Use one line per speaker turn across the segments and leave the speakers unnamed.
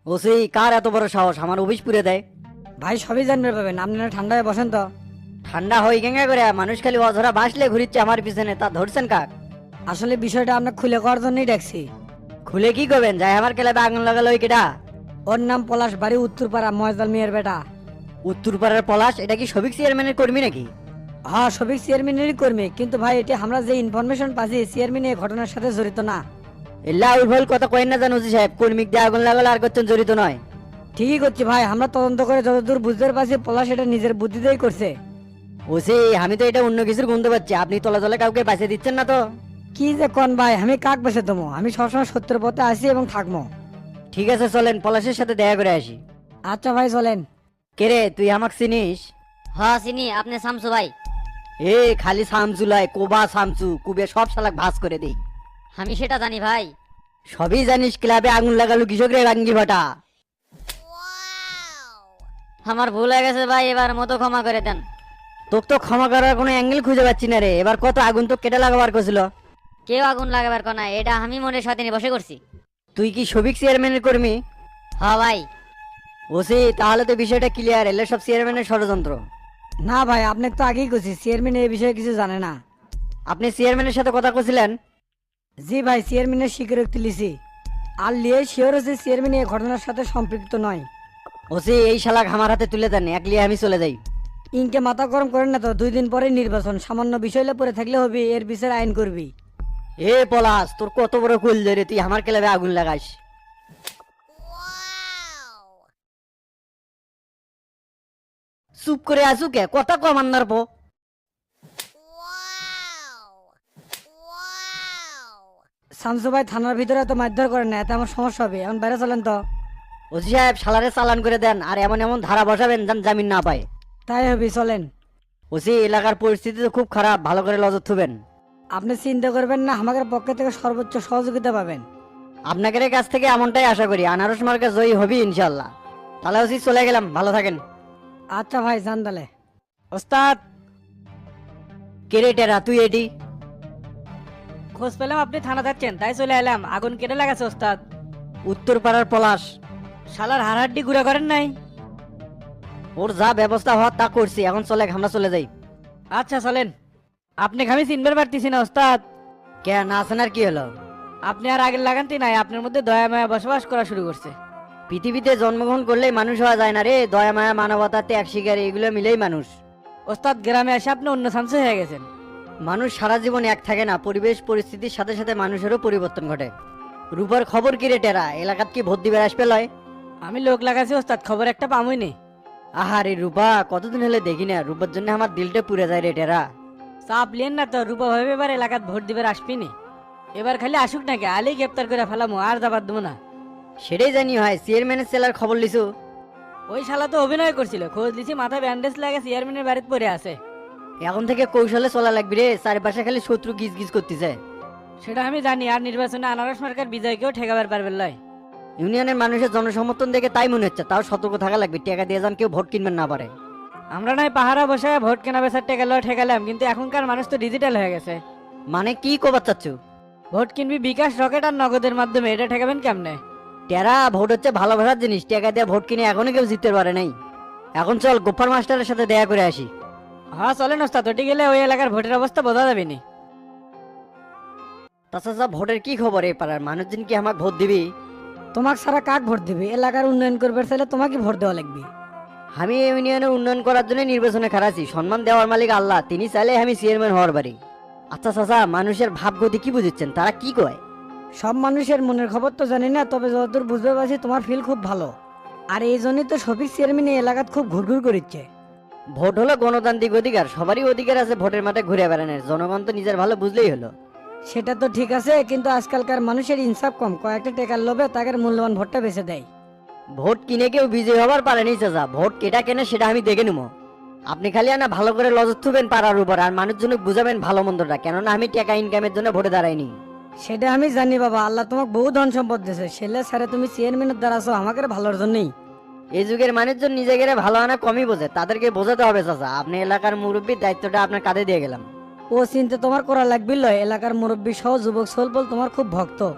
OC কার এত বড় সাহস আমার অফিস পুড়ে দেয়?
ভাই সবই জানতে পাবেন, আপনারা ঠান্ডায় বসেন তো।
ঠান্ডা হই গেঙ্গা করে মানুষ খালি অঝরা বাসলে ঘুরিচ্ছে আমার পিছনে, তা ধরছেন কাক?
আসলে বিষয়টা আপনার খুলে করার জন্যই ডাকছি।
খুলে কি করবেন? যাই আমার ক্লাবে আগুন লাগালো ওই কেটা?
ওর নাম পলাশ, বাড়ি উত্তরপাড়া, ময়দাল মিয়ার বেটা।
উত্তরপাড়ার পলাশ? এটা কি সবিক চেয়ারম্যানের কর্মী নাকি?
হ্যাঁ, সবিক চেয়ারম্যানেরই কর্মী, কিন্তু ভাই এটি আমরা যে ইনফরমেশন পাচ্ছি চেয়ারম্যান এই ঘটনার সাথে জড়িত না।
এল্লা উর্ভল কথা কয়েন না জানো ওসি সাহেব, কর্মিক দিয়ে আগুন লাগালো আর করছেন জড়িত নয়।
ঠিকই করছি ভাই, আমরা তদন্ত করে যতদূর বুঝতে পারছি পলাশ এটা নিজের বুদ্ধিতেই করছে।
ওসি আমি তো এটা অন্য কিছুর গন্ধ পাচ্ছি, আপনি তলে তলে কাউকে বাঁচিয়ে দিচ্ছেন না তো?
কি যে কোন ভাই, আমি কাক বেছে দেবো? আমি সবসময় সত্যের পথে আসি এবং থাকবো।
ঠিক আছে চলেন পলাশের সাথে দেখা করে আসি।
আচ্ছা ভাই চলেন।
কে রে তুই আমাকে চিনিস?
হ্যাঁ চিনি, আপনি শামসু ভাই।
এ খালি সামচুলাই কোবা সামচু কুবে সব শালাক ভাস করে দেই।
আমি সেটা জানি ভাই।
সবই জানিস, ক্লাবে আগুন লাগালো কৃষক রে রাঙ্গি ভাটা।
আমার ভুল হয়ে গেছে ভাই, এবার মতো ক্ষমা করে দেন।
তোকে তো ক্ষমা করার কোনো অ্যাঙ্গেল খুঁজে পাচ্ছি না রে, এবার কত আগুন তো কেটে লাগাবার করছিল।
কেউ আগুন লাগাবার কোনা, এটা আমি মনের সাথে নিয়ে বসে করছি।
তুই কি সবিক চেয়ারম্যানের কর্মী?
হ্যাঁ ভাই।
ওসি তাহলে তো বিষয়টা ক্লিয়ার, এলে সব চেয়ারম্যানের ষড়যন্ত্র।
না ভাই, আপনাকে তো আগেই করছি চেয়ারম্যান এই বিষয়ে কিছু জানে না।
আপনি চেয়ারম্যানের সাথে কথা কছিলেন?
জি ভাই, চেয়ারম্যানের স্বীকারোক্তি লিছি। আর লিয়ে শিওর হচ্ছে চেয়ারম্যান এই ঘটনার সাথে সম্পৃক্ত নয়।
ওসি এই শালাক আমার হাতে তুলে দেন, একলিয়ে আমি চলে যাই।
ইনকে মাথা গরম করেন না তো, 2 দিন পরে নির্বাচন, সামান্য বিষয়লে পরে থাকলে হবে, এর বিচার আইন করবি।
এ পলাশ তোর কত বড় কুল রে, তুই আমার ক্লাবে আগুন লাগাস? চুপ করে আসু কে, কথা কম আন্নার পো।
শামসু ভাই থানার ভিতরে এত মারধর করেন না, এতে আমার সমস্যা হবে, এখন বাইরে চলেন তো।
ওসি সাহেব শালারে চালান করে দেন, আর এমন এমন ধারা বসাবেন যেন জামিন না পায়।
তাই হবে, চলেন।
ওসি এলাকার পরিস্থিতি তো খুব খারাপ, ভালো করে নজর থুবেন।
আপনি চিন্তা করবেন না, আমাদের পক্ষ থেকে সর্বোচ্চ সহযোগিতা পাবেন।
আপনাদের কাছ থেকে এমনটাই আশা করি, আনারস মার্কা জয়ী হবি ইনশাল্লাহ। তাহলে ওসি চলে গেলাম, ভালো থাকেন।
আচ্ছা ভাই, যান তাহলে।
ওস্তাদ,
কেরেটেরা তুই এটি?
খোঁজ পেলাম আপনি থানা যাচ্ছেন, তাই চলে এলাম। আগুন কেটে লাগাছে ওস্তাদ।
উত্তর পাড়ার পলাশ?
শালার হাড়হাড্ডি গুঁড়া করেন নাই?
ওর যা ব্যবস্থা হওয়ার তা করছি, এখন চলে আমরা চলে যাই।
আচ্ছা চলেন। আপনি আমি চিনবার পারতেছি না ওস্তাদ।
কে না আছেন আর কি হলো?
আপনি আর আগের লাগানতি নাই, আপনার মধ্যে দয়া মায়া বসবাস করা শুরু করছে।
পৃথিবীতে জন্মগ্রহণ করলেই মানুষ হওয়া যায় না রে, দয়া মায়া মানবতা ত্যাগ শিকার এগুলো মিলেই মানুষ।
ওস্তাদ, গ্রামে এসে আপনি অন্য শামসু হয়ে গেছেন।
মানুষ সারা জীবন এক থাকে না, পরিবেশ পরিস্থিতির সাথে সাথে মানুষেরও পরিবর্তন ঘটে। রূপার খবর কি রে টেরা, এলাকাত কি ভোট দিবে আসবে লয়?
আমি লোক লাগাছি ওস্তাদ, খবর একটা পামই নি।
আহারে রূপা কতদিন হলে দেখি না, রূপার জন্য আমার দিলটা পুড়ে যায় রে টেরা।
চাপ লিয়েন না তো, রূপা ভাবে এবার এলাকাত ভোট দিবার আসবিনি। এবার খালি আসুক নাকি, আলেই গ্রেপ্তার করে ফেলামু, আর যাবার দেবো না।
সেটাই জানি হয়, চেয়ারম্যানের সেলার খবর লিছু?
ওই শালা তো অভিনয় করছিল, খোঁজ দিছি মাথায় ব্যান্ডেজ লাগে চেয়ারম্যানের বাড়িতে পড়ে আছে।
এখন থেকে কৌশলে চলা লাগবে রে, চারপাশে খালি শত্রু গিজ গিজ করতেছে।
সেটা আমি জানি, আর নির্বাচনে আনারস মার্কার বিজয়কেও ঠেকাবার পারবেন লয়।
ইউনিয়নের মানুষের জনসমর্থন দেখে তাই মনে হচ্ছে, তাও সতর্ক থাকা লাগবে, টাকা দিয়ে যান কেউ ভোট কিনবেন না পারে।
আমরা নয় পাহারা বসে ভোট কেনা বেচার টেকা লয় ঠেকালাম, কিন্তু এখনকার মানুষ তো ডিজিটাল হয়ে গেছে।
মানে কি কবার চাচ্ছ?
ভোট কিনবি বিকাশ, রকেট আর নগদের মাধ্যমে, এটা ঠেকাবেন কেমনে?
টেরা ভোট হচ্ছে ভালোবাসার জিনিস, টাকা দিয়ে ভোট কিনে এখনো কেউ জিততে পারে নাই। এখন চল গোফার মাস্টারের সাথে দেখা করে আসি।
হ্যাঁ চলেন ওস্তাদ, ওটি গেলে ওই এলাকার ভোটের অবস্থা বোঝা যাবে নি।
তাছাড়া ভোটের কি খবর, এই পাড়ার মানুষজন কি আমাকে ভোট দিবি?
তোমাকে সারা কাক ভোট দিবে, এলাকার উন্নয়ন করবে চাইলে তোমাকে ভোট দেওয়া লাগবে।
আমি এই ইউনিয়নের উন্নয়ন করার জন্য নির্বাচনে খারাছি, সম্মান দেওয়ার মালিক আল্লাহ, তিনি চাইলে আমি চেয়ারম্যান হওয়ার পারি। আচ্ছা চাচা, মানুষের ভাবগতি কি বুঝছেন, তারা কি কয়?
সব মানুষের মনের খবর তো জানি না, তবে যতদূর বুঝতে পারছি তোমার ফিল খুব ভালো। আর এই জন্যই তো শফিক চেয়ারম্যান এই এলাকাত খুব ঘুরঘুর করিচ্ছে।
ভোট হলো গণতান্ত্রিক অধিকার, সবারই অধিকার আছে ভোটের মাঠে ঘুরে বেড়ানোর, জনগণ তো নিজের ভালো বুঝলেই হলো।
সেটা তো ঠিক আছে, কিন্তু আজকালকার মানুষের ইনসাফ কম, কয়েকটা টেকার লোভে তাদের মূল্যবান ভোটটা বেছে দেয়।
ভোট কিনে কেউ বিজয়ী হবার পারেনি চাচা, ভোট কেটা কেনে সেটা আমি দেখে নেবো। আপনি খালি আনা ভালো করে লজত থুবেন পাড়ার উপর, আর মানুষজন বুঝাবেন ভালো মন্দটা, কেননা আমি টাকা ইনকামের জন্য ভোটে দাঁড়াইনি।
সেটা আমি জানি বাবা, আল্লাহ তোমাকে বহু ধন সম্পদ দিয়েছে, সেলে স্যারে তুমি চেয়ারম্যানের দ্বারা আছো আমাকে ভালোর জন্যই।
এই যুগের মানুষজন নিজেকে ভালো আনা কমই বোঝে, তাদেরকে বোঝাতে হবে চাচা, আপনি এলাকার মুরব্বীর দায়িত্বটা আপনার কাঁধে দিয়ে গেলাম।
ও চিন্তা তোমার করা লাগবে লয়, এলাকার মুরব্বী সহ যুবক সলপল তোমার খুব ভক্ত।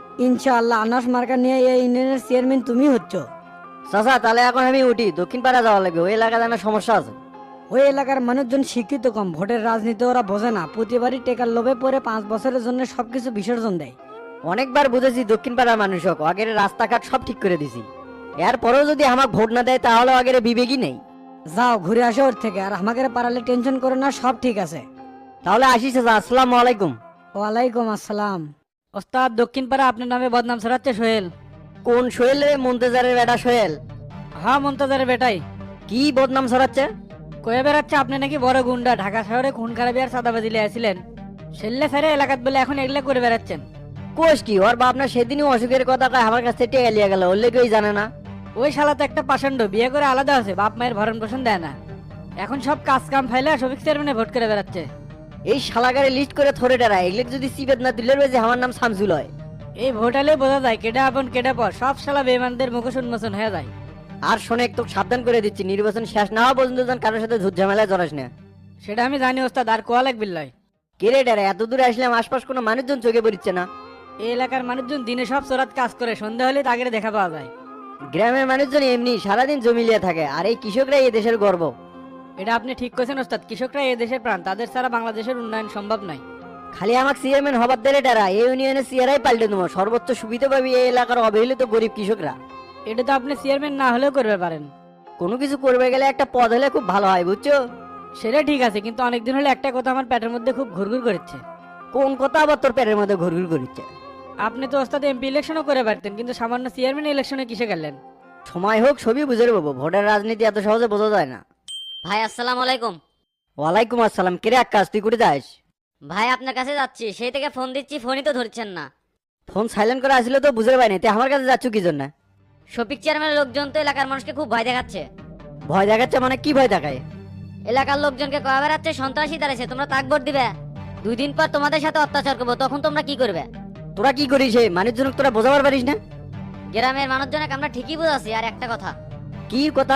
ইনশাআল্লাহ আনাস মার্কা নিয়ে এই ইউনিয়নের চেয়ারম্যান তুমি হচ্ছ।
চাচা তাহলে এখন আমি উঠি, দক্ষিণ পাড়া যাওয়া লাগবে, ওই এলাকায় আমার সমস্যা আছে।
ওই এলাকার মানুষজন শিক্ষিত কম, ভোটের রাজনীতি ওরা বোঝে না, প্রতিবারই টেকার লোভে পরে 5 বছরের জন্য সবকিছু বিসর্জন দেয়।
অনেকবার বুঝেছি দক্ষিণ পাড়ার মানুষ হোক, আগের রাস্তাঘাট সব ঠিক করে দিছি, এরপরেও যদি আমাকে ভোট না দেয় তাহলে আগের বিবেকই নেই।
যাও ঘুরে আসো ওর থেকে, আর আমাকে পারালে টেনশন করো না, সব ঠিক আছে।
তাহলে আসি চাচা, আসসালামু আলাইকুম।
ওয়ালাইকুম আসসালাম।
ওস্তাদ দক্ষিণ পাড়া আপনার নামে বদনাম ছড়াচ্ছে সোহেল।
কোন সোহেল রে? মন্তেজারের বেটা সোহেল?
হ্যাঁ মন্তাজারের বেটাই।
কি বদনাম ছড়াচ্ছে?
কয়ে বেড়াচ্ছে আপনি নাকি বড় গুন্ডা, ঢাকা শহরে খুন খারাপি আর চাঁদাবাজি আসছিলেন, সেল্লে ফেরে এলাকাত বলে এখন এগুলা করে বেড়াচ্ছেন।
কোষ কি ওর বাপ না সেদিনই অসুখের কথা কয় আমার কাছে টেকা লিয়ে গেল, ওর লেগেই জানে না।
ওই শালা তো একটা পাষণ্ড, বিয়ে করে আলাদা আছে, বাপ মায়ের ভরণ পোষণ দেয় না, এখন সব কাজ কাম ফাইলে শফিক চেয়ারম্যানে ভোট করে বেড়াচ্ছে।
এই শালাগারে লিস্ট করে থরে ডেরা, এগুলো যদি সিবেদ না দিলে যে আমার নাম শামসুল হয়।
এই ভোট আলে বোঝা যায় কেডা আপন কেডা পর, সব শালা বেমানদের মুখোশ উন্মোচন হয়ে যায়।
আর শোনে একটু সাবধান করে দিচ্ছি, নির্বাচন শেষ না হওয়া পর্যন্ত যেন কারোর সাথে ঝুট ঝামেলায় জড়াস না।
সেটা আমি জানি ওস্তাদ, আর কোয়া লাগবে লয়।
কেরে ডেরা, এত দূরে আসলাম আশপাশ কোনো মানুষজন চোখে পড়ছে না।
এই এলাকার মানুষজন দিনে সব চোরাত কাজ করে, সন্ধ্যা হলে তাকে দেখা পাওয়া যায়।
গ্রামের মানুষজন এমনি সারাদিন জমি লিয়ে থাকে, আর এই কৃষকরা এই দেশের গর্ব।
এটা আপনি ঠিক করেছেন ওস্তাদ, কৃষকরা এই দেশের প্রাণ, তাদের ছাড়া বাংলাদেশের উন্নয়ন সম্ভব নয়।
খালি আমাকে চেয়ারম্যান হবার দেরে ডেরা, এই ইউনিয়নের চেয়ারাই পাল্টে দেবো, সর্বোচ্চ সুবিধা পাবি এই এলাকার অবহেলিত গরিব কৃষকরা।
এটা তো আপনি চেয়ারম্যান না হলেও করবে পারেন।
কোনো কিছু করবে গেলে একটা পদ হলে খুব ভালো হয়, বুঝছো?
সেটা ঠিক আছে, কিন্তু অনেকদিন হলে একটা কথা আমার পেটের মধ্যে খুব ঘুরঘুর করছে।
কোন কথা আবার তোর পেটের মধ্যে ঘুরঘুর করছে?
আপনি তো ওস্তাদ এমপি ইলেকশনও করে পারতেন, কিন্তু সামান্য চেয়ারম্যান ইলেকশনে কিসে গেলেন?
সময় হোক সবই বুঝে পাবো, ভোটের রাজনীতি এত সহজে বোঝা যায় না।
ভাই আসসালামু আলাইকুম।
ওয়ালাইকুম আসসালাম। কিরে আকাশ, তুই করে যাস?
ভাই আপনার কাছে যাচ্ছি, সেই থেকে ফোন দিচ্ছি, ফোনই তো ধরছেন না।
ফোন সাইলেন্ট করে আসলে তো বুঝতে পারিনি, তুই আমার কাছে যাচ্ছ কি জন্য?
শফিক চেয়ারম্যানের লোকজন তো এলাকার মানুষকে খুব ভয় দেখাচ্ছে।
ভয় দেখাচ্ছে মানে কি ভয় দেখায়?
এলাকার লোকজনকে কয়া বেড়াচ্ছে সন্ত্রাসী দাঁড়াইছে, তোমরা তাক ভোট দিবে, 2 দিন পর তোমাদের সাথে অত্যাচার করবো, তখন তোমরা কি করবে?
তোরা কি করিস? মানুষজনক তোরা বোঝাবার পারিস না?
গ্রামের মানুষজনকে আমরা ঠিকই বুঝাচ্ছি। আর একটা কথা,
কি কথা?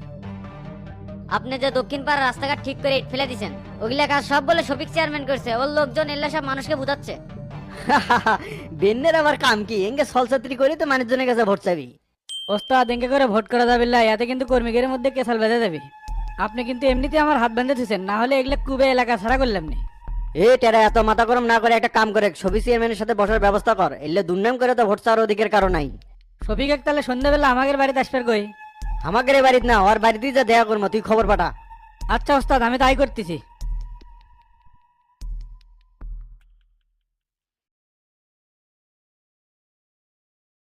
আপনি যে দক্ষিণ পাড়ার রাস্তাঘাট ঠিক করে ইট ফেলে দিছেন, ওগুলা কাজ সব বলে শফিক চেয়ারম্যান করছে, ওর লোকজন এল্লা সব মানুষকে বুঝাচ্ছে।
বেন্নের আবার কাম কি? এঙ্গে সলসাত্রী করে তো মানুষজনের কাছে ভোট চাবি?
ওস্তাদ এঙ্কে করে ভোট করা যাবে না, এতে কিন্তু কর্মীদের মধ্যে কেসাল বেঁধে যাবে। আপনি কিন্তু এমনিতে আমার হাত বেঁধে দিচ্ছেন, না হলে এগুলো কুবে এলাকা ছাড়া করলাম নি।
এ টেরা, এত মাথা গরম না করে একটা কাম করে সবই চেয়ারম্যানের সাথে বসার ব্যবস্থা কর, এলে দুর্নাম করে তো ভোট চাওয়ার অধিকার কারণ নাই।
শফিক এক তাহলে সন্ধ্যাবেলা আমাদের বাড়িতে আসবার কই?
আমাকে বাড়িতে না, ওর বাড়িতেই যা দেখা করবো, তুই খবর পাঠা।
আচ্ছা ওস্তাদ, আমি তাই করতেছি।